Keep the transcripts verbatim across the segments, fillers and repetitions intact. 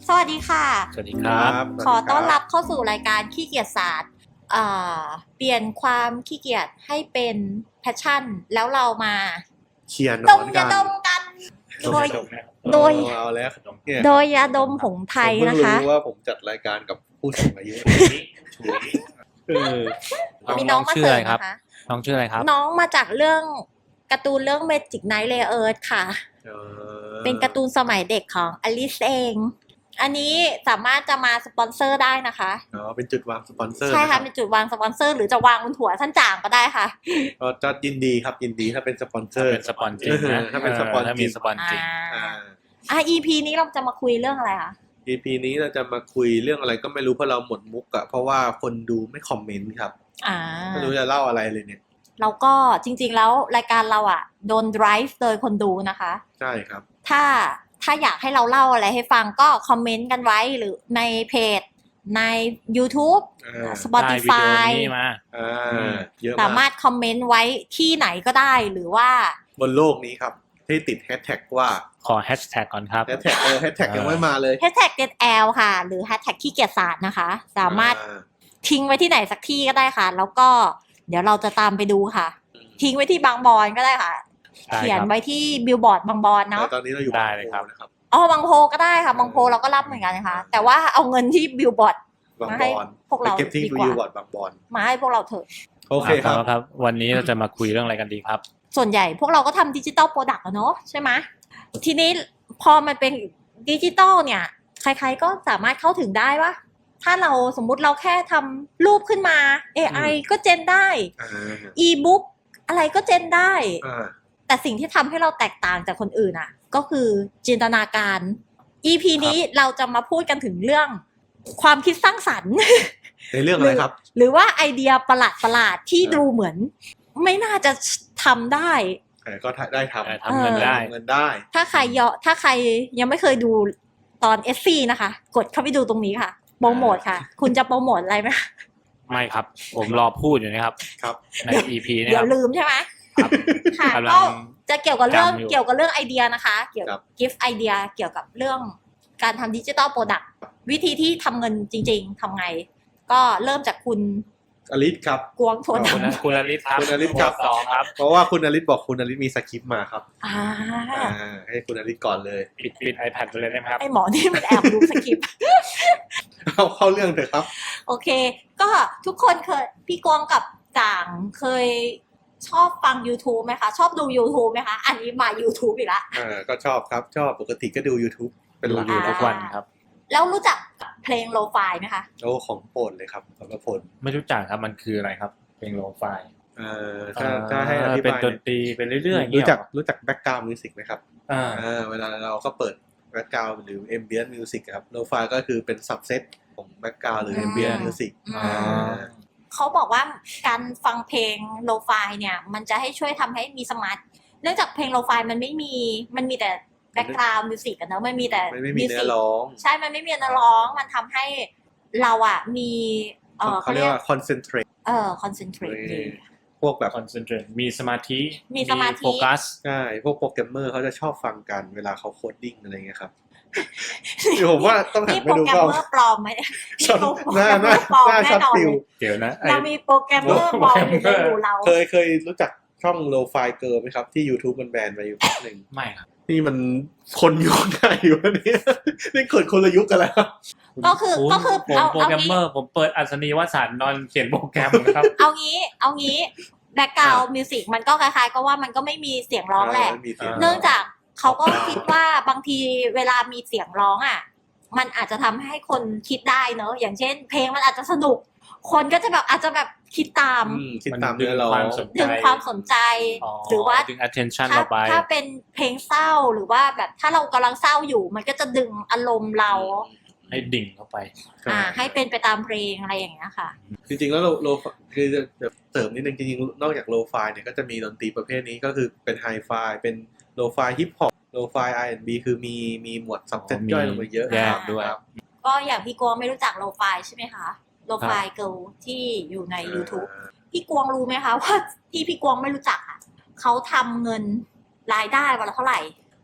สวัสดีค่ะสวัสดีครับขอต้อนรับเข้าสู่รายการขี้เกียจศาสตร์เปลี่ยนความขี้เกียจให้เป็นแพชชั่นแล้วเรามาเชียร์นดอมนกัยาน ดมกันโดยโดโดยยเอาแล้วเนี่ยโดยยาดมผงไทยผมเพิ่งนะคะรู้ว่าผมจัดรายการกับผู้สูงอายุเออมีน้องมาเสริมนะคะน้องชื่ออะไรครับน้องมาจากเรื่องการ์ตูนเรื่อง Magic Knight Layer ค่ะเออเป็นการ์ตูนสมัยเด็กของอลิซเอง อันนี้สามารถจะมาสปอนเซอร์ได้นะคะอ๋อเป็นจุดวางสปอนเซอร์ใช่ค่ะนเป็นจุดวางสปอนเซอร์หรือจะวางบนหัวท่านจ่างก็ได้ค่ะก็จะยินดีครับยินดีถ้าเป็นสปอนเซอร์เป็นสปอนจริงนะถ้าเป็นสปอนถ้าจริมีงสปอนจริงอ่าอ่าอ่ะ อี พี นี้เราจะมาคุยเรื่องอะไรคะอี พี นี้เราจะมาคุยเรื่องอะไรก็ไม่รู้เพราะเราหมดมุกอะเพราะว่าคนดูไม่คอมเมนต์ครับอ่าไม่รู้จะเล่าอะไรเลยเนี่ยแล้วก็จริงๆแล้วรายการเราอ่ะโดน drive โดยคนดูนะคะใช่ครับถ้าถ้าอยากให้เราเล่าอะไรให้ฟังก็คอมเมนต์กันไว้หรือในเพจใน YouTube อ่า Spotify ได้วิดีโอนี้มาอ่าเยอะสามามาร กถคอมเมนต์ไว้ที่ไหนก็ได้หรือว่าบนโลกนี้ครับที่ติดแฮชแท็กว่าขอแฮชแท็กก่อนครับแฮชแท็กเออแฮชแท็กยังไม่มาเลย hashtag getl ค่ะ หรือ hashtag ขี้เกียจศาสตร์นะคะ สามารถอ่ทิ้งไว้ที่ไหนสักที่ก็ได้ค่ะ แล้วก็เดี๋ยวเราจะตามไปดูค่ะ ทิ้งไว้ที่บางบอนก็ได้ค่ะได้ครับเขียนไว้ที่บิลบอร์ดบางบอนเนาะแต่ตอนนี้เราอยู่ได้บางเลยโพครับนะครับอ๋อบางโพก็ได้ค่ะ บางโพเราก็รับเหมือนกันนะคะ แต่ว่าเอาเงินที่บิลบอร์ดบางมาบให้อนพวกเราไปเก็บที่ดีกว่าวิวบอร์ดบางบอนมาให้พวกเราเถอะโอเคครับาครับ วันนี้เราจะมาคุยเรื่องอะไรกันดีครับส่วนใหญ่พวกเราก็ทำดิจิตอลโปรดักต์อะเนาะใช่ไหมทีนี้พอมันเป็นดิจิตอลเนี่ย ใครๆก็สามารถเข้าถึงได้ว่าถ้าเราสมมุติเราแค่ทำรูปขึ้นมา เอ ไอ ก็เจนได้อ่าอีบุ๊กอะไรก็เจนได้อ่าแต่สิ่งที่ทำให้เราแตกต่างจากคนอื่นอ่ะ ก็คือจินตนาการ อี พี นี้เราจะมาพูดกันถึงเรื่องความคิดสร้างสรรค์ในเรื่องอะไรครับหรือว่าไอเดียประหลาดประหลาดๆที่ดูเหมือน ไม่น่าจะทำได้เออก็ได้ทได้ำทำเงินได้เงินได้ถ้าใครยอถ้าใครยังไม่เคยดูตอน เอส ซี นะคะ กดเข้าไปดูตรงนี้ค่ะโปรโมทค่ะ คุณจะโปรโมทอะไรไหมคะไม่ครับ ผมรอพูดอยู่นะครับครับใน อี พี เนี่ยเดี๋คยวรับลืมใช่ไหมครับค่ะกำลัก็งจะเกี่ยวกับเรื่องจำอยู่เกี่ยวกับเรื่องไอเดียนะคะ เกี่ยวครักับบ กิฟต์ไอเดียเกี่ยวกับเรื่องการทำดิจิตอลโปรดักต์วิธีที่ทำเงินจริงๆทำไง ก็เริ่มจากคุณอลิศครับกวงโทนคุณคุณอลิศครับคุณอลิศครับสองครับเพราะว่าคุณอลิศบอกคุณอลิศมีสคริปต์มาครับอ่าอ่าให้คุณอลิศก่อนเลยปิดปิด iPad ไปเลยได้ไหมครับไอหมอนี่มันแอบดูสคริปต์เข้าเข้าเรื่องเถอะครับโอเค ก็ทุกคนเคยพี่กวงกับจ่างเคยชอบฟัง YouTube ไหมคะ ชอบดู YouTube ไหมคะ อันนี้มา YouTube อีกละอ่าก็ชอบครับ ชอบปกติก็ดู YouTube เป็นหลักดูอยู่อ่าทุกวันครับแล้วรู้จักเพลงโลฟายไหมคะโอ้ของโปรดเลยครับสำหรับผลไม่รู้จักครับมันคืออะไรครับเพลงโลไฟล์เอ่อถ้าถ้าให้อธิเป็นบายดนตรีไปเรื่อยๆอย่างเงี้รู้ยจักรู้จักแบ็กกราวด์มิวสิกไหมครับอ่าอ่าเวลาเราก็เปิดแบ็กกราวด์หรือ ambient music ครับโลฟาก็คือเป็น subset ของแบ็กกราวด์หรือ ambient music อืมอ่าเขาบอกว่าการฟังเพลงโลฟายเนี่ย มันจะให้ช่วยทำให้มีสมาธิเนื่องจากเพลงโลฟายมันไม่มีมันมีแต่แบ็กกราวด์มิวสิกกันเนอะมันมีแต่ไม่ไม่มีเนื้อ music ร้องใช่ มันไม่มีเนื้อร้องมันทำให้เราอะมีเออเขาเรียกว่า concentrate เออ concentrate ดีพวกแบบคอนเซนเทรตมีสมาธิมีสมาธิโฟกัสใช่พวกโปรแกรมเมอร์เขาจะชอบฟังกันเวลาเขาโคดดิ้งอะไรเงี้ยครับ ผมว่าต้องหันนี่ไปโปรดูแกรมก็เมอร์ปลอมไหมชอบโปรหแกรน้ามเมหอน้าร์ปลอมหน้าแน่ช็อตนอนฟิเลลยเดี๋ยวนะไอ้เรามีโปรแกรมเมอร์ปลอมอยู่ในหมู่เราเคยเคยรู้จักช่องโลไฟเกิร์ลไหมครับ ที่ YouTube มันแบนไปอยู่พักหนึ่งไม่ครับนี่มันคนยุคไหนวะเนี่ยนี่เกิดคนละยุคกันแล้วก็คือณก็คือผมเอาโปรเอาแกรมงี้เมอร์ผมเปิดอัศนีวสันต์นอนเขียนโปรแกรมนะครับเอางี้ เอางี้แบ็กกราวด์มิวสิกมันก็คล้ายๆก็ว่ามันก็ไม่มีเสียงร้องแหละไม่มีเสียงเนื่องจากเขาก็คิดว่าบางทีเวลามีเสียงร้องอ่ะ มันอาจจะทำให้คนคิดได้เนอะอย่างเช่น เพลงมันอาจจะสนุก คนก็จะแบบอาจจะแบบคิดตามอืมคิดตามเนื้อร้องมันดึงความสนดึงความสนใจอ๋อหรือว่าดึง attention ถ้าเราไปถ้าเป็นเพลงเศร้าหรือว่าแบบถ้าเรากำลังเศร้าอยู่ มันก็จะดึงอารมณ์เราให้ดิ่งเข้าไปอ่า ให้เป็นไปตามเพลงอะไรอย่างเงี้ยค่ะจริงๆแล้วโลโลคือจะเสริมนิดนึงจริงๆนอกจากโลไฟเนี่ยก็จะมีดนตรีประเภทนี้ก็คือเป็นไฮไฟเป็นโลไฟฮิปฮอปโลไฟ อาร์ แอนด์ บี คือมีมีหมวดซับเซตมีย่อยลงมาเยอะแยกครับด้วยครับก็อย่างพี่กวงไม่รู้จักโลฟายใช่ไหมคะโลฟายเกิลที่อยู่ใน YouTube พี่กวงรู้ไหมคะว่าที่พี่กวงไม่รู้จักอ่ะเขาทำเงินรายได้วันละเท่าไหร่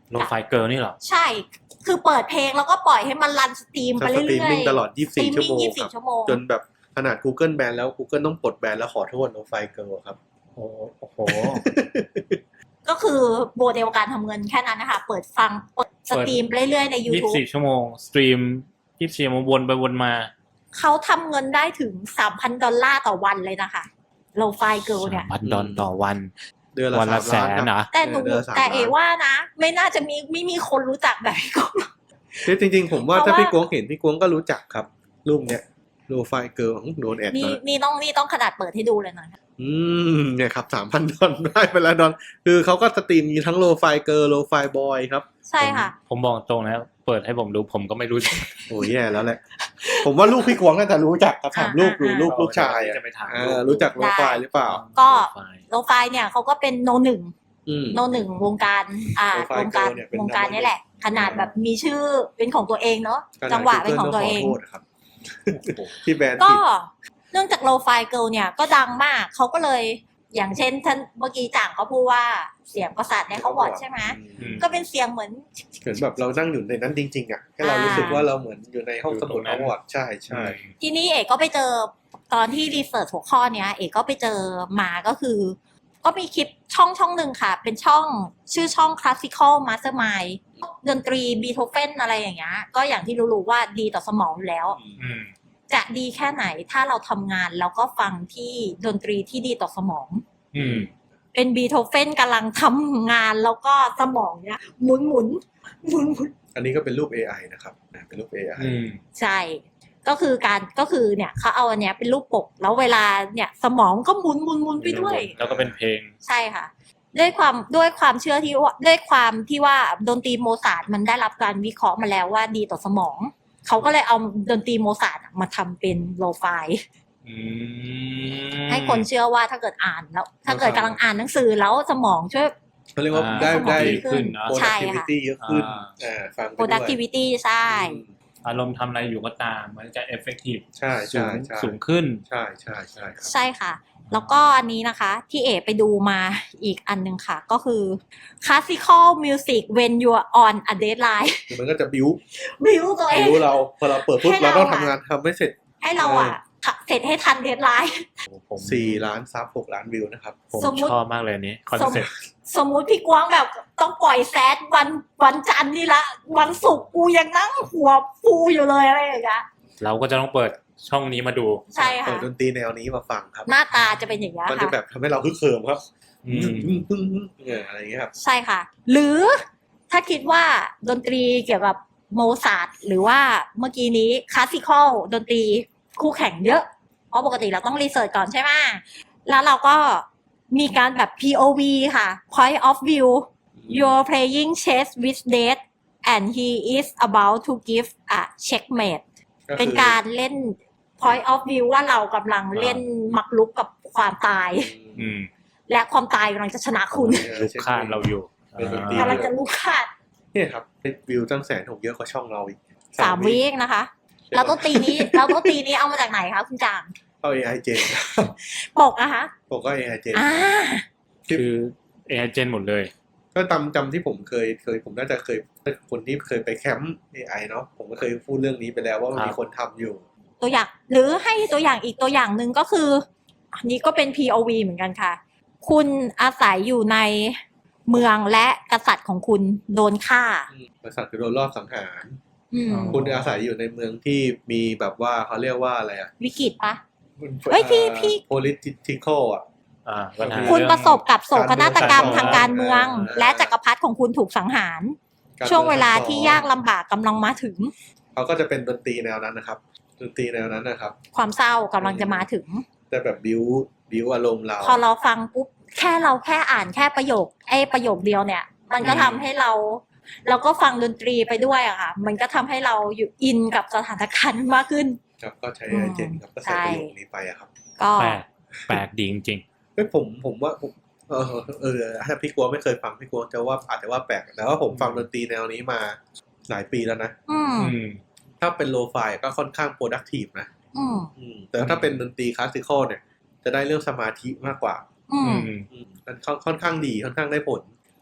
โลไฟเกิร์ลนี่เหรอใช่คือเปิดเพลงแล้วก็ปล่อยให้มันรันสตรีมไปสเรื่ตรีมอยมิ่งๆตลอดยี่สิบสี่สตรีมชั่วมิ่งโมงยี่สิบคสี่รับชั่วโมงจนแบบขนาด Google แบนแล้ว Google ต้องปลดแบนแล้วขอโทษ No File Girl ครับโอ้โอ้โหก็คือโมเดลการทำเงินแค่นั้นนะคะ เปิดฟังเปิดสตรีมไปเรื่อยๆในยี่สิบ YouTube สี่ชั่วโมงสตรีมยี่สิบสี่ชั่วโมงวนไปวนมาเขาทำเงินได้ถึง สามพัน ดอลลาร์ต่อวันเลยนะคะโลไฟเกิลเนี่ยพันดอลต่อวันเดือนละวันละสามแสล้านนครับนะแต่หนูเดือนละสามแต่เอล้านว่านะ ไม่น่าจะมีไม่มีคนรู้จักแบบพี่กงคือจริงๆ ผมว่าเพราะถ้าว่าพี่กวงเห็นพี่กวงก็รู้จักครับรูปเนี้ย No File Girl ของโดนแอดนี่มานี่ต้องนี่ต้องขนาดเปิดให้ดูเลยหน่อยอืมเนี่ยครับสามพันดอลได้ไปแล้วดอลคือเขาก็สตรีมมีทั้ง Low File Girl Low File Boy ครับใช่ค่ะผมผมบอกตรงนะเปิดให้ผมดูผมก็ไม่รู้จักโอ้ยแย่แล้วแหละ ผมว่าลูกพี่กวงน่าจะรู้จักครับถามลูกดูอ่าลูกลูกชายอะจะไปถามอ่ารู้จัก Low File หรือเปล่าก็โลไฟโลไฟเนี่ยเขาก็เป็นโนหนึ่งอืมโนหนึ่งวงการอ่า Low File วงการ Girl เนี่ยเป็นวงการนี่แหละ ขนาดแบบมีชื่อเป็นของตัวเองเนาะขนาดจังหวะเป็นของตัวเอง Google ต้องขอโทษครับ ที่แบนก็ผิดเนื่องจากโลไฟเกิลเนี่ยก็ดังมากเขาก็เลยอย่างเช่นท่านเมื่อกี้จ่างเขาพูดว่าเสียงประสาทในเขาบอดใช่ไหมอืมก็เป็นเสียงเหมือนเหมือนแบบเรานั่งอยู่ในนั้นจริงๆอ่ะแค่เรารู้สึกว่าเราเหมือนอยู่ในห้องสมุดอวอร์ดใช่ใช่ทีนี้เอกก็ไปเจอตอนที่รีเสิร์ชหัวข้อเนี้ยเอกก็ไปเจอมาก็คือ ก็มีคลิปช่องช่องหนึ่งค่ะ เป็นช่องชื่อช่อง Classical Mastermind ดนตรีบีโธเฟนอะไรอย่างเงี้ยก็อย่างที่รู้ๆว่าดีต่อสมองอยู่แล้วอืมจะดีแค่ไหนถ้าเราทำงานแล้วก็ฟังที่ดนตรีที่ดีต่อสมองอืมเป็นบีโธเฟนกำลังทำงานแล้วก็สมองเนี้ยหมุนหมุนหมุนหมุนอันนี้ก็เป็นรูป เอ ไอ นะครับเป็นรูป เอ ไออืมใช่ ก็คือการก็คือเนี่ยเขาเอาอันเนี้ยเป็นรูปปกแล้วเวลาเนี่ยสมองก็หมุนหมุนหมุนไปด้วยแล้วก็เป็นเพลงใช่ค่ะ ด้วยความด้วยความเชื่อที่ว่าด้วยความที่ว่าดนตรีโมซาร์ทมันได้รับการวิเคราะห์มาแล้วว่าดีต่อสมอง เขาก็เลยเอาดนตรีโมซาร์ทมาทำเป็นโลไฟอืมให้คนเชื่อว่าถ้าเกิดอ่านแล้ว ถ้าเกิดกำลังอ่านหนังสือแล้วสมองช่วยเขาเรียกว่าได้สมองได้ดีขึ้นนะใช่ค่ะ productivity เยอะขึ้นอ่าอ่าฟังไปด้วย productivity ใช่อืมอารมณ์ทำอะไรอยู่ก็ตามมันจะ effective ใช่สูใช่งใช่สูงขึ้นใช่ใช่ใช่ครับใช่ค่ะ แล้วก็อันนี้นะคะ ที่เอไปดูมาอีกอันหนึงค่ะ ก็คือ classical music when you're on a deadline คือมันก็จะบิ้วบิวตัวเอบิ้งวเราพอเราเปิดปุ๊บให้เราเราต้องอะทำงานทำไม่เสร็จให้เราอ่ะเสร็จให้ทันเดดไลน์ผมสี่ล้านซับหกล้านวิวนะครับผมสมมุติชอบมากเลยอันนี้คอนเซ็ปต์สมมุติพี่กวางแบบต้องปล่อยแซดวันวันจันทร์นี่ละ วันศุกร์กูยังนั่งหัวฟูอยู่เลยอะไรอย่างเงี้ยเราก็จะต้องเปิดช่องนี้มาดูใช่เปิค่ะดดนตรีแนวนี้มาฟังครับหน้าตาจะเป็นอย่างเงี้ยมันจะค่ะแบบทำให้เราฮึกเหิมครับอืมเนี่ยอะไรอย่างเงี้ยครับใช่ค่ะ หรือถ้าคิดว่าดนตรีเกี่ยวกับโมซาร์ทหรือว่าเมื่อกี้นี้คลาสสิคอลดนตรีคู่แข่งเยอะ เพราะปกติเราต้องรีเสิร์ชก่อนใช่ไหมแล้วเราก็มีการแบบ พี โอ วี ค่ะ point of view you're playing chess with death and he is about to give a checkmate ก็คือเป็นการเล่น point of view ว่าเรากำลังเล่นมักลุกกับความตายอืมและความตายกำลังจะชนะคุณลูกค้าเราอยู่เป็นดนตรีกำลังจะลุกขาดเนี่ยครับวิวตั้งแสนหกเยอะกว่าช่องเราอีกสามวิเองนะคะ แล้วต้นตีนี้แล้วต้นตีนี้เอามาจากไหนคะคุณจางเข้า เอ ไอ Gen ปกอะคะผมก็ เอ ไอ Gen อ่าคือ เอ ไอ เจนหมดเลยก็จำจำที่ผมเคยเคยผมน่าจะเคยคนที่เคยไปแคมป์ เอ ไอ เนาะผมก็เคยพูดเรื่องนี้ไปแล้วว่ามันครับมีคนทำอยู่ตัวอย่างหรือให้ตัวอย่างอีกตัวอย่างหนึ่งก็คือ อันนี้ก็เป็น พี โอ วี เหมือนกันค่ะ คุณอาศัยอยู่ในเมืองและกษัตริย์ของคุณโดนฆ่าบริษัทคือโดนรอบสังหารอืมอ๋อคุณอาศัยอยู่ในเมืองที่มีแบบว่าเขาเรียกว่าอะไรอ่ะวิกฤตปะ เฮ้ยพี่พี่ political อ่ะอ่าปัญหาคุณเองประสบกับโศกนาฏกรรมทางการเมืองอ่าและจักรพรรดิของคุณถูกสังหารการช่วงเวลาที่มืองยากลำบากกำลังมาถึงเขาก็จะเป็นดนตรีแนวนั้นนะครับดนตรีแนวนั้นนะครับความเศร้ากำลังจะมาถึงแต่แบบบิวบิวอารมณ์เราพอเราฟังปุ๊บแค่เราแค่อ่านแค่ประโยคไอ้ประโยคเดียวเนี่ย มันก็อืมทำให้เราเราก็ฟังดนตรีไปด้วยอะค่ะ มันก็ทำให้เราอยู่อินกับสถานการณ์มากขึ้นครับก็ใช้อืมเจนครับก็ใช่ใส่ประโยคนี้ไปอะครับก็แปลกแปลกดีจริงเฮ้ยผมผมว่าผมเออเออถ้าพี่กลัวไม่เคยฟังพี่กลัวจะว่าอาจจะว่าแปลกแต่ว่าผมฟังดนตรีแนวนี้มาหลายปีแล้วนะอืมๆอืมถ้าเป็นโลไฟก็ค่อนข้าง productive นะอืมอืมแต่ถ้าเป็นดนตรีคลาสสิคอลเนี่ย จะได้เรื่องสมาธิมากกว่าอือืมมอืมมันค่อนค่อนข้างดีค่อนข้างได้ผล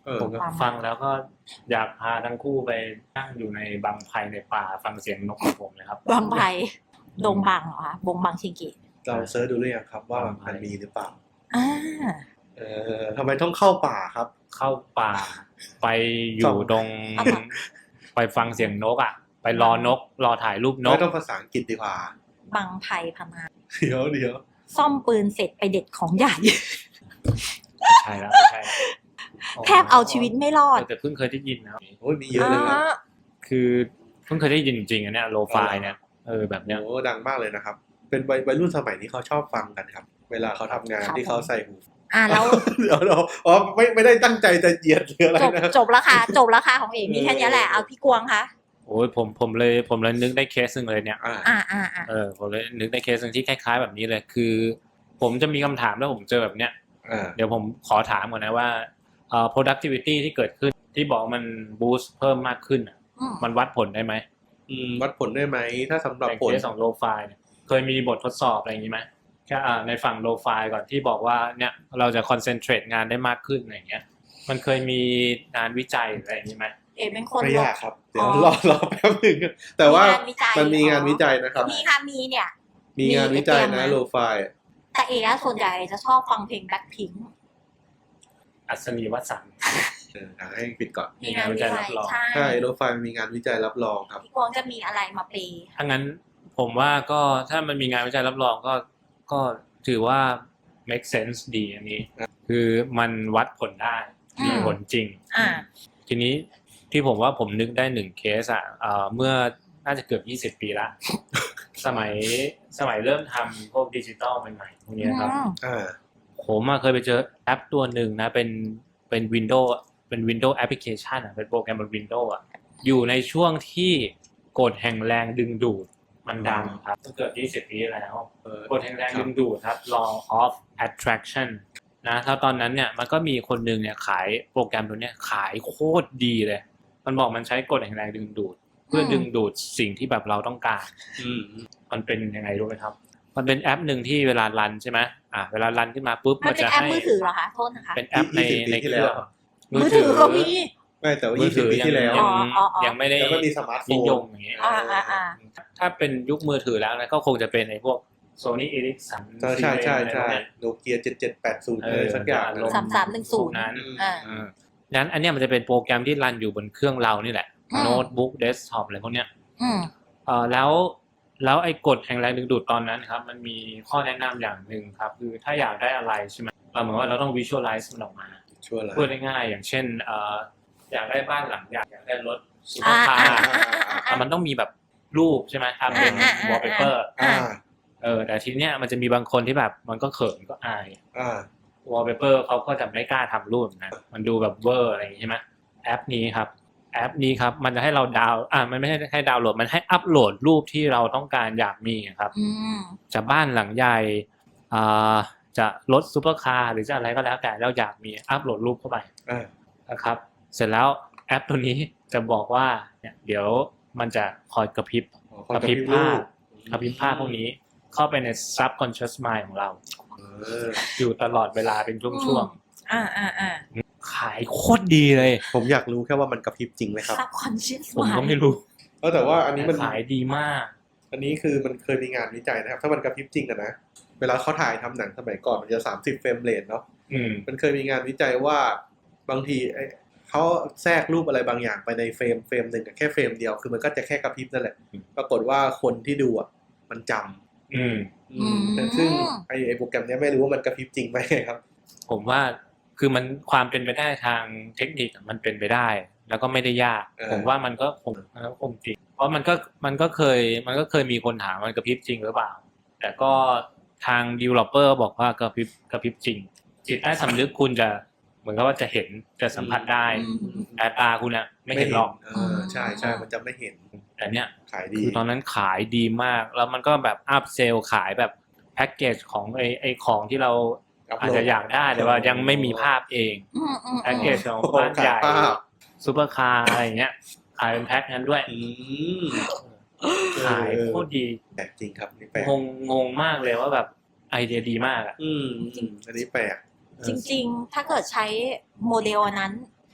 เออผมก็ฟังแล้วก็อยากพาทั้งคู่ไปนั่งอยู่ในบังไพในป่าฟังเสียงนกของผมเลยครับบางไผ่ดงบังเหรอคะบงบังชิงกิเราเซิร์ชดูหรือยังครับว่าบางไผ่มันมีหรือเปล่าอ่าเออทำไมต้องเข้าป่าครับเข้าป่าไปอส่ยู่องตรง ไปฟังเสียงนกอ่ะ ไปรอนกรอถ่ายรูปนไม่กต้องภาษาอังกฤษดีกว่าบางไผ่พมาเดี๋ยวเดี๋ยวซ่อมปืนเสร็จไปเด็ดของใหญ่ใช่แล้วไม่ใช่แล้วแทบเอาชีวิตไม่รอดแต่เพิ่งเคยได้ยินนะโอ้ยมีเยอะเลยครับอ่าคือเพิ่งเคยได้ยินจริงๆอันเนี้ยโลฟายเนี่ยเออแบบเนี้ยโอ้ดังมากเลยนะครับ เป็นวัยวัยรุ่นสมัยนี้เขาชอบฟังกันครับ เวลาเขาทำงานครับที่เขาใส่หูอ่าแล้วเดี๋ยวเราอ๋อไม่ไม่ได้ตั้งใจจะเหยียดหรืออะไรจบนะจบราคาจบราคาของเอกมีแค่เนี้ยแหละเอาพี่กวงคะโอ้ยผมผมเลยผมเลยนึกได้เคสหนึ่งเลยเนี่ยอ่าอ่าอ่าอ่าเออผมเลยนึกได้เคสหนึ่งที่คล้ายๆแบบนี้เลยคือ ผมจะมีคำถามแล้วผมเจอแบบเนี้ยอ่าเดี๋ยวผมขอถามก่อนนะว่าเอ่อ productivity ที่เกิดขึ้นที่บอกมัน boost เพิ่มมากขึ้นอะอืมมันวัดผลได้ไหมอืมวัดผลได้ไหมถ้าสำหรับในผลเคสของ low fi เนี่ยเคยมีบททดสอบอะไรอย่างนี้ไหมแค่อ่าในฝั่ง low fi ก่อนที่บอกว่าเนี่ยเราจะ concentrate งานได้มากขึ้นอะไรอย่างเงี้ยมันเคยมีงานวิจัยอะไรอย่างนี้ไหมเอกเป็นคนไม่ยากครับ เดี๋ยวอ๋อรอรอแป๊บหนึ่งแต่ว่างานวิจัยมันมีงานวิจัยนะครับมีค่ะมีเนี่ยมีงานวิจัยมีนะไอเดียมาโลไฟแต่เอกอะส่วนใหญ่จะชอบฟังเพลงแบ็คพิงค์อัศนีวสันต์เออให้ปิดก่อนมีงานวิจัยมีงานวิจัยรับรองใช่ใช่โลไฟมีงานวิจัยรับรองครับพี่กวงจะมีอะไรมาเปย์ถ้างั้นผมว่าก็ถ้ามันมีงานวิจัยรับรองก็ก็ถือว่า make sense ดีอันนี้ คือมันวัดผลได้มีผลจริงอ่าทีนี้ที่ผมว่าผมนึกได้หนึ่งเคสอ่ะเอ่อเมื่อน่าจะเกือบยี่สิบปีละ สมัยสมัยเริ่มทำพวกดิจิตอลใหม่ๆพวกนี้ครับอ่าผมอะเคยไปเจอแอปตัวหนึ่งนะเป็นเป็น Windows เป็น Windows Application อ่ะเป็นโปรแกรมบน Windows อ่ะอยู่ในช่วงที่กฎแห่งแรงดึงดูดมันดังครับเกือบยี่สิบปีแล้วเออกฎแห่งแรงดึงดูดครับ law of attraction นะถ้าตอนนั้นเนี่ยมันก็มีคนหนึ่งเนี่ยขายโปรแกรมตัวเนี้ยขายโคตรดีเลย มันบอกมันใช้กฎแห่งแรงดึงดูด เพื่อดึงดูดสิ่งที่แบบเราต้องการอืมมันเป็นยังไงรู้ไหมครับ มันเป็นแอปหนึ่งที่เวลารันใช่ไหมอ่ะเวลารันขึ้นมาปุ๊บมัมัน นเป็นจะแอปให้มือถือเหรอคะโทษนะคะเป็นแอปในยี่สิบปีในที่เคแล้รื่วองมือถือก็มีไม่แต่ว่ามือยี่สิถืบอปียังที่แล้วยังอ๋ออ๋ออ๋อยังไม่ได้แล้วก็มีสมาร์ทโฟนินยมอย่างเงี้ยอ่าอ่าอ่าถ้าเป็นยุคมือถือแล้วนะก็คงจะเป็นไอ้พวก Sony Ericsson ใช่ใช่ใช่ใช่อะไรพวกเนี้ยโนเกียเจ็ดเจ็ดแปดศูนย์เอเลอยสักอย่างจะลสามสามหนึ่งศูนย์พวกนั้นอ่าเออนั้นอันเนี้ยมันจะเป็นโปรแกรมที่รันอยู่บนเครื่องเรานี่แหละอืมโน้ตบุ๊กเดสก์ท็อปอะไรพวกเนี้ยอืมเอ่อแล้วแล้วไอ้กฎแห่งแรงดึงดูดตอนนั้นครับมันมีข้อแนะนำอย่างหนึ่งครับคือถ้าอยากได้อะไรใช่ไหมเราเหมือนว่าเราต้อง visualize มันออกมาช่วยอะไรพูดง่ายๆอย่างเช่นเอ่ออยากได้บ้านหลังใหญ่อยากได้รถซูเปออ่าร์คาอ่าร์อ่าอ่าอ่ามันต้องมีแบบรูปใช่ไหมทำเป็นอ่าอ่าอ่า wallpaper อ่าเออแต่ทีเนี้ยมันจะมีบางคนที่แบบมันก็เขินก็อายอ่า wallpaper เขาก็จะไม่กล้าทำรูปนะมันดูแบบเวอร์อะไรอย่างงี้ใช่ไหมแอปนี้ครับแอปนี้ครับมันจะให้เราดาวน์อ่ามันไม่ใช่ให้ดาวน์โหลดมันให้อัปโหลดรูปที่เราต้องการอยากมีครับอืมจะบ้านหลังใหญ่อ่าจะรถซูเปอร์คาร์หรือจะอะไรก็แล้วแต่เราอยากมีอัปโหลดรูปเข้าไปอ่านะครับเสร็จแล้วแอปตัวนี้จะบอกว่าเนี่ยเดี๋ยวมันจะคอยกระพริบอ๋อกระพริบภาพกระพริบภาพพวกนี้เข้าไปใน subconscious mind ของเราเอออยู่ตลอดเวลาเป็นช่วงอ่าอ่าอ่าๆขายโคตรดีเลยผมอยากรู้แค่ว่ามันกระพริบจริงไหมครับ subconscious ผมก็ mind ไม่รู้เออแต่ว่าอันนี้มันขายดีมากอันนี้คือมันเคยมีงานวิจัยนะครับ ถ้ามันกระพริบจริงอะนะ เวลาเขาถ่ายทำหนังสมัยก่อนมันจะสามสิบเฟรมเรทเนาะอืมมันเคยมีงานวิจัยว่าบางทีไอ้เขาแทรกรูปอะไรบางอย่างไปในเฟรมเฟรมหนึ่งอะแค่เฟรมเดียวคือมันก็จะแค่กระพริบนั่นแหละอืมปรากฏว่าคนที่ดูอ่ะมันจำอืมอืมแต่ซึ่งไอ้ไอ้โปรแกรมเนี้ยไม่รู้ว่ามันกระพริบจริงไหมครับผมว่าคือมันความเป็นไปได้ทางเทคนิคอะมันเป็นไปได้ แล้วก็ไม่ได้ยากเออผมว่ามันก็คงมันก็คงจริง เพราะมันก็มันก็เคยมันก็เคยมีคนถามมันกระพริบจริงหรือเปล่า แต่ก็ทาง developer บอกว่ากระพริบกระพริบจริง จิตใต้สำนึกคุณจะเหมือนกับว่าจะเห็นจะสัมผัสได้อืมแต่ตาคุณอะไม่เห็นหรอกเออใช่ใช่มันจะไม่เห็นแต่เนี้ยขายดีคือตอนนั้นขายดีมาก แล้วมันก็แบบอัพเซลขายแบบแพ็กเกจของไอไอของที่เราอัพโหลดอาจจะอยากได้แต่ว่ายังไม่มีภาพเองอืมอืมแพ็กเกจของโอ้โหบ้านใหญ่ขายภาพซูเปอร์คาร์อะไรอย่างเงี้ยขายเป็นแพ็คนั้นด้วยอืมขายโคตรดีแปลกจริงครับนี่แปลกงงงงมากเลยว่าแบบไอเดียดีมากอ่ะอืมอืมอันนี้แปลกจริงๆ ถ้าเกิดใช้โมเดลอันนั้น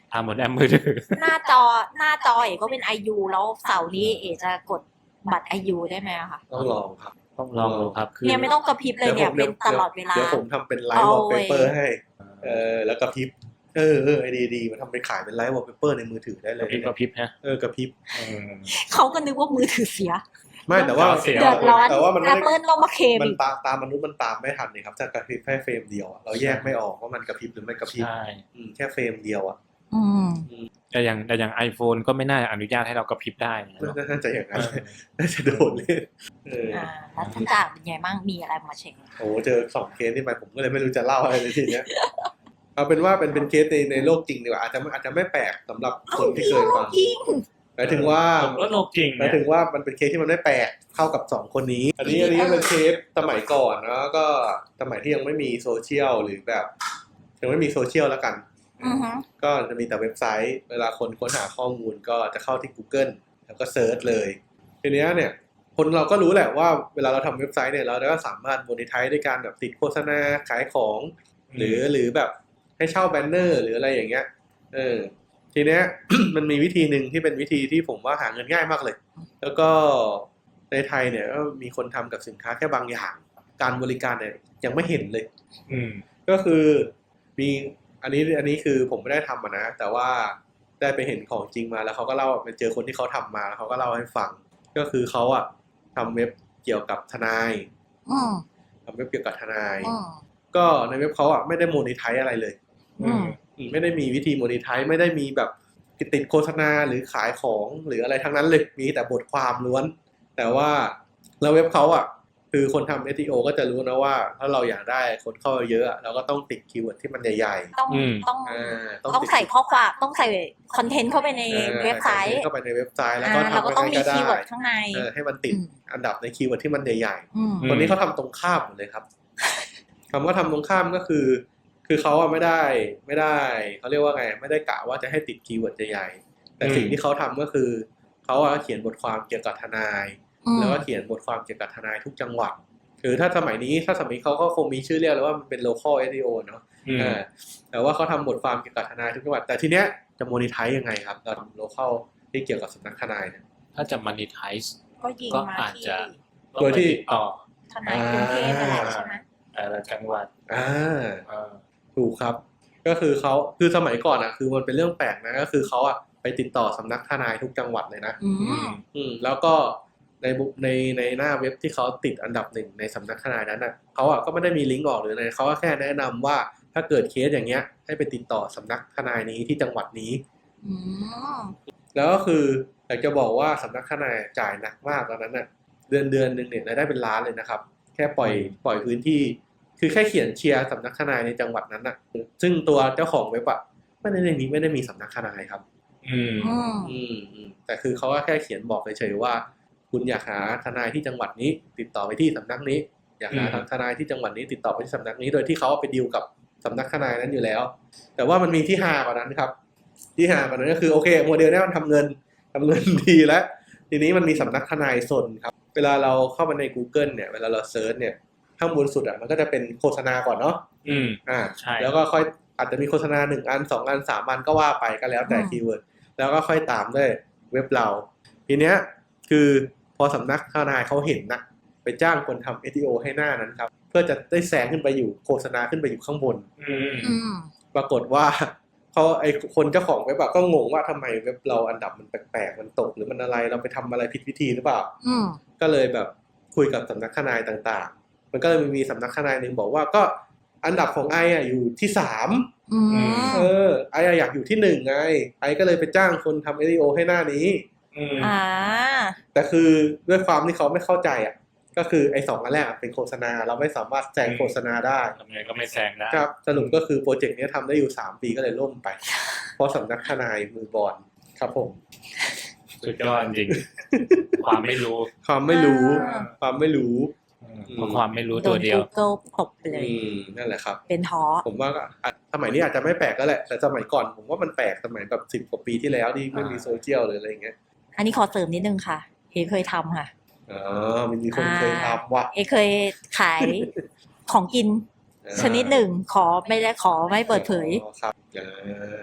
ทำบนแอปมือถือหน้าจอหน้าจอเอ๋ก็เป็น ไอ ยู แล้วเสาร์นี้เอ๋จะกดบัตร ไอ ยู ได้ไหมอะคะต้องลองครับต้องลองดูครับคือเนี่ยไม่ต้องกระพริบเลยเนี่ยเป็นตลอดเวลาเดี๋ยวผมทำเป็นไลฟ์วอลเปเปอร์ให้ เออแล้วกระพริบเออเออไอดีดีมันทำเป็นขายเป็นไลฟ์วอลเปเปอร์ในมือถือได้เลกระยพริบกระพริบฮะเออกระพริบเออเขาก็นึกว่ามือถือเสียไม่แต่ว่าเสียเดือดร้อนแต่ว่ามันแอไม่ปเปิลต้องมาเคลมมันอีกตามตามมนุษย์มันตามไม่ทันเลยครับถ้ากระพริบแค่เฟรมเดียวอะเราแยกไม่ออกว่ามันกระพริบหรือไม่กระพริบใช่อืมแค่เฟรมเดียวอ่ะอืมแต่อย่างแต่อย่าง iPhone ก็ไม่น่าอนุญาตให้เรากระพริบได้นะน่าจะอย่างเอนั้นอน่าจะโดนเล่นเอออ่าแล้วท่านจ่าเป็นไงบ้างมีอะไรมาเช็คโอ้เจอสองเคสที่ไปผมก็เลยไม่รู้จะเล่าอะไรเลยทีเนี้ยเอาเป็นว่าเป็นเป็นเคสในในโลกจริงดีกว่าอาจจะอาจจะไม่แปลกสำหรับคนที่เคยฟังจริงหมายถึงว่าผมก็โลกจริงหมายถึงว่ามันเป็นเคสที่มันไม่แปลกเท่ากับสองคนนี้ อันนี้อันนี้เป็นเคสสมัยก่อนเนาะก็สมัยที่ยังไม่มีโซเชียลหรือแบบยังไม่มีโซเชียลแล้วกันอือฮึก็จะมีแต่เว็บไซต์ เวลาคนค้นหาข้อมูลก็จะเข้าที่ Google แล้วก็เซิร์ชเลยทีเนี้ยเนี่ยคนเราก็รู้แหละว่าเวลาเราทำเว็บไซต์เนี่ยเราก็สามารถโมเนไทซ์ด้วยการแบบติดโฆษณาขายของ หรือหรือแบบให้เช่าแบนเนอร์หรืออะไรอย่างเงี้ยเออทีเนี้ย มันมีวิธีหนึ่งที่เป็นวิธีที่ผมว่าหาเงินง่ายมากเลย แล้วก็ในไทยเนี่ยก็มีคนทำกับสินค้าแค่บางอย่าง การบริการเนี่ยยังไม่เห็นเลยอืมก็คือมีอันนี้อันนี้คือผมไม่ได้ทำอะนะแต่ว่าได้ไปเห็นของจริงมาแล้วเขาก็เล่าไปเจอคนที่เขาทำมาแล้วเขาก็เล่าให้ฟัง ก็คือเขาอะทำเว็บเกี่ยวกับทนายอืมทำเว็บเกี่ยวกับทนายอืมก็ในเว็บเขาอะไม่ได้โมนิไทซ์อะไรเลยอืมอืมไม่ได้มีวิธีโมนิไทซ์ไม่ได้มีแบบติดโฆษณาหรือขายของหรืออะไรทั้งนั้นเลยมีแต่บทความล้วน แต่ว่าแล้วเว็บเขาอ่ะคือคนทำ เอส อี โอ ก็จะรู้นะว่าถ้าเราอยากได้คนเข้าเยอะเราก็ต้องติดคีย์เวิร์ดที่มันใหญ่ต้องอืมต้องๆอ่าต้องใส่ข้อความต้องใส่คอนเทนต์เข้าไปในอ่าเว็บไซต์เข้าไปในเว็บไซต์แล้วอ่าก็เราก็ทำต้องยังมีไงก็ได้คีย์เวิร์ดข้างในเออให้มันติดอืมอันดับในคีย์เวิร์ดที่มันใหญ่อืมๆคนนี้เขาทำตรงข้ามหมดเลยครับ คำว่าทำตรงข้ามก็คือ คือเขาอะไม่ได้ไม่ได้เขาเรียกว่าไงไม่ได้กะว่าจะให้ติดคีย์เวิร์ดใหญ่ๆแต่สิ่งที่เขาทำก็คือเขาอะเขียนบทความเกี่ยวกับทนายอืมแล้วก็เขียนบทความเกี่ยวกับทนายทุกจังหวัดคือถ้าสมัยนี้ถ้าสมัยนี้เขาก็คงมีชื่อเรียกแล้วว่ามันเป็น local เอส อี โอ เนอะอืมอ่าแต่ว่าเขาทำบทความเกี่ยวกับทนายทุกจังหวัดแต่ทีเนี้ยจะ monetize ยังไงครับเราทำ local ที่เกี่ยวกับสำนักทนายเนี่ยถ้าจะ monetize ก็ยิงก็มาอาจที่จะโดยที่ต่อทนายกรุงเทพนั่นแหละใช่ไหมแต่ละจังหวัดอ่าเออถูกครับ ก็คือเขาคือสมัยก่อนอ่ะคือมันเป็นเรื่องแปลกนะก็คือเขาอ่ะไปติดต่อสำนักทนายทุกจังหวัดเลยนะอืมอืมแล้วก็ในบุในในหน้าเว็บที่เขาติดอันดับหนึ่งในสำนักทนายนั้นอ่ะเขาอ่ะก็ไม่ได้มีลิงก์ออกหรืออะไรเขาก็แค่แนะนำว่าถ้าเกิดเคสอย่างเงี้ยให้ไปติดต่อสำนักทนายนี้ที่จังหวัดนี้อืมแล้วก็คืออยากจะบอกว่าสำนักทนายจ่ายหนักมากตอนนั้นน่ะเดือนเดือนหนึ่งเนี่ยรายได้เป็นล้านเลยนะครับ แค่ปล่อยปล่อยพื้นที่ คือแค่เขียนเชียร์สำนักทนายในจังหวัดนั้นน่ะ ซึ่งตัวเจ้าของเว็บอ่ะไม่ได้มีไม่ได้มีสำนักทนายครับอืมอืมอืมอืมแต่คือเขาก็แค่เขียนบอกเฉยๆว่า คุณอยากหาทนายที่จังหวัดนี้ ติดต่อไปที่สำนักนี้ อยากหาอืมทนายที่จังหวัดนี้ ติดต่อไปที่สำนักนี้ โดยที่เขาไปดีลกับสำนักทนายนั้นอยู่แล้ว แต่ว่ามันมีที่ฮากว่านั้นครับ ที่ฮากว่านั้นก็คือโอเคโมเดลเนี้ยมันทำเงินทำเงินดีแล้ว ทีนี้มันมีสำนักทนายสนครับ เวลาเราเข้ามาใน Google เนี่ยเวลาเราเซิร์ชเนี่ยข้างบนสุดอ่ะมันก็จะเป็นโฆษณาก่อนเนาะอืมอ่าใช่แล้วก็ค่อยอาจจะมีโฆษณาหนึ่งอันสองอันสามอันก็ว่าไปก็แล้วแต่อืมคีย์เวิร์ดแล้วก็ค่อยตามด้วยเว็บเรา ทีเนี้ยคือพอสำนักทนายเขาเห็นนะไปจ้างคนทำ เอส อี โอ ให้หน้านั้นครับ เพื่อจะได้แซงขึ้นไปอยู่โฆษณาขึ้นไปอยู่ข้างบนอืมอืมปรากฏว่าเขาไอคนเจ้าของเว็บอะก็งงว่าทำไมเว็บเราอันดับมันแปลกๆมันตกหรือมันอะไรเราไปทำอะไรผิดวิธีหรือเปล่าอืมก็เลยแบบคุยกับสำนักทนายต่างๆ มันก็เลยมีสำนักทนายหนึ่งบอกว่าก็อันดับของไออะอยู่ที่สามอืมเออไออะอยากอยู่ที่หนึ่งไงไอก็เลยไปจ้างคนทำ เอส อี โอ ให้หน้านี้อืมอ่าแต่คือด้วยความที่เขาไม่เข้าใจอ่ะก็คือไอสองอันแรกอะเป็นโฆษณาเราไม่สามารถแซงโฆษณาได้ทำไงก็ไม่แซงได้ครับสรุปก็คือโปรเจกต์นี้ทำได้อยู่สามปีก็เลยล่มไป เพราะสำนักทนายมือบอลครับผมสุดยอดจริง ความไม่รู้ความไม่รู้อ่าความไม่รู้อืมเพราะความไม่รู้โดตัวน เดียว Google ตบไปเลยอืมนั่นแหละครับเป็นท้อผมว่าก็อ่ะสมัยนี้อาจจะไม่แปลกก็แหละแต่สมัยก่อนผมว่ามันแปลกสมัยแบบสิบกว่าปีที่แล้วที่ไม่มีโซเชียลหรืออะไรอย่างเงี้ยอันนี้ขอเสริมนิดนึงค่ะ เอเคยทำค่ะอ๋อมันมีคนเคยทำว่ะเอเคยขายของกิน ชนิดหนึ่งขอไม่ได้ขอไม่เปิดเผยอ๋อครับอ่า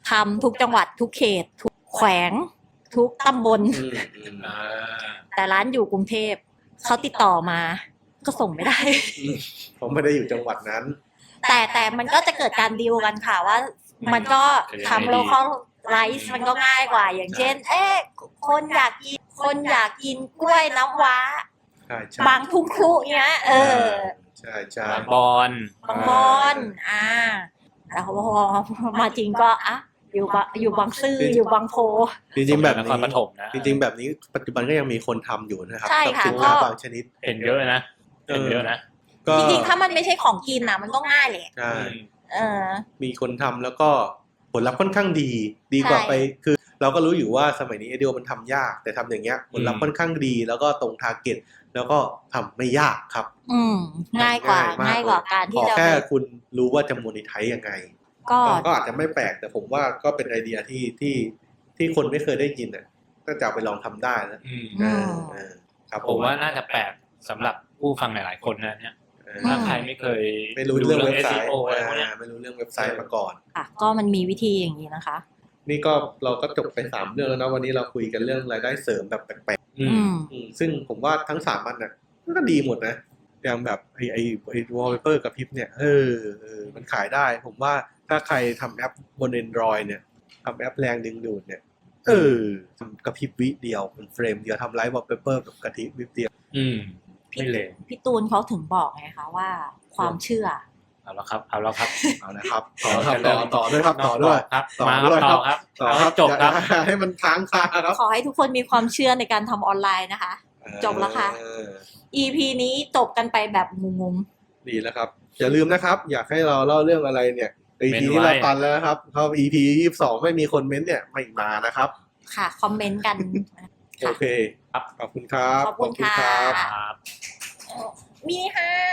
ทำทุกจังหวัดทุกเขต ทุกแขวง ทุกตำบลอืมอืมอ่าแต่ร้านอยู่กรุงเทพเขาติดต่อมา ก็ส่งไม่ได้ผมไม่ได้อยู่จังหวัดนั้นแต่แต่มันก็จะเกิดการดีลกันค่ะว่า มันก็ทำโลคอลไรซ์มันก็ง่ายกว่า อย่างเช่น เอ๊ะคนอยากกินคนอยากกินกล้วยน้ำว้าใช่ใช่บางทุ่งครุเงี้ย เออใช่ใช่บางบอนบางบอนอ่าแล้วพอมาจริงก็อ่ะอยู่บางอยู่บางซื่ออยู่บางโพจริงๆแบบนครนี้ปฐมนะจริงๆแบบนี้ปัจจุบันก็ยังมีคนทำอยู่นะครับใช่ค่ะกัสินค้าก็บางชนิดเห็นเยอะนะเห็นเยอะนะก็จริงๆถ้ามันไม่ใช่ของกินนะมันก็ง่ายเลยใช่เออมีคนทำแล้วก็ผลลัพธ์ค่อนข้างดี ดีกว่าใช่ไปคือ เราก็รู้อยู่ว่าสมัยนี้ไอเดียมันทำยาก แต่ทำอย่างเงี้ยผลลัพธ์ค่อนข้างดี แล้วก็ตรงทาร์เก็ตแล้วก็ทำไม่ยากครับอืม ง่ายกว่ามง่ายกว่าการขที่อจะแค่ไปคุณรู้ว่าจะโมนิไทซ์ยังไงก็ก็อาจจะไม่แปลกแต่ผมว่าก็เป็นไอเดียที่ที่ที่คนไม่เคยได้ยินอ่ะก็จะเอาไปลองทำได้นะอืมอืมเออครับผมว่าน่าจะแปลกสำหรับผู้ฟังหลายๆคนนะเนี่ยเออถ้าใครไม่เคยไม่รู้เรื่องเว็บไซเอสต์อี โอ อะไรพวกเนี้ยอ่าไม่รู้เรื่องเว็บไซต์มาก่อนค่ะ ก็มันมีวิธีอย่างนี้นะคะนี่ก็เราก็จบไปสามเรื่องแล้วนะวันนี้เราคุยกันเรื่องรายได้เสริมแบบแปลกอือืมมๆอืมซึ่งผมว่าทั้งสามอันน่ะก็ดีหมดนะอย่างแบบไอไอไอวอลเปเปอร์กับพิปเนี่ยเออเออมันขายได้ ผมว่าถ้าใครทำแอปบน Android เนี่ยทำแอปแรงดึงดูดเนี่ยเออทำกระพริบวิเดียวเป็นเฟรมเดียวทำไลฟ์วอลเปเปอร์แบบกระพริบวิเดียวอืมพี่ไม่เลวพี่ตูนเขาถึงบอกไงคะว่าความเชื่อเอาแล้วครับ เอาแล้วครับเอานะครับต่อครับต่อต่อด้วยครับต่อด้วยครับต่อมาด้วยต่อครับต่อเอาคให้รับจบครับอย่าให้มันค้างคาครับขอให้ทุกคนมีความเชื่อในการทำออนไลน์นะคะ จบแล้วค่ะเอออี พี นี้จบกันไปแบบงงดีแล้วครับ อย่าลืมนะครับ อยากให้เราเล่าเรื่องอะไรเนี่ย อีเม้พีนไว้ที่เราตันแล้วนะครับเข้า อี พี ยี่สิบสองไม่มีคนเม้นต์เนี่ยไม่มานะครับๆ ค่ะ คอมเมนต์กันโอเคครับขอบคุณครับขอบคุณค่ะรับครับมีค่ะ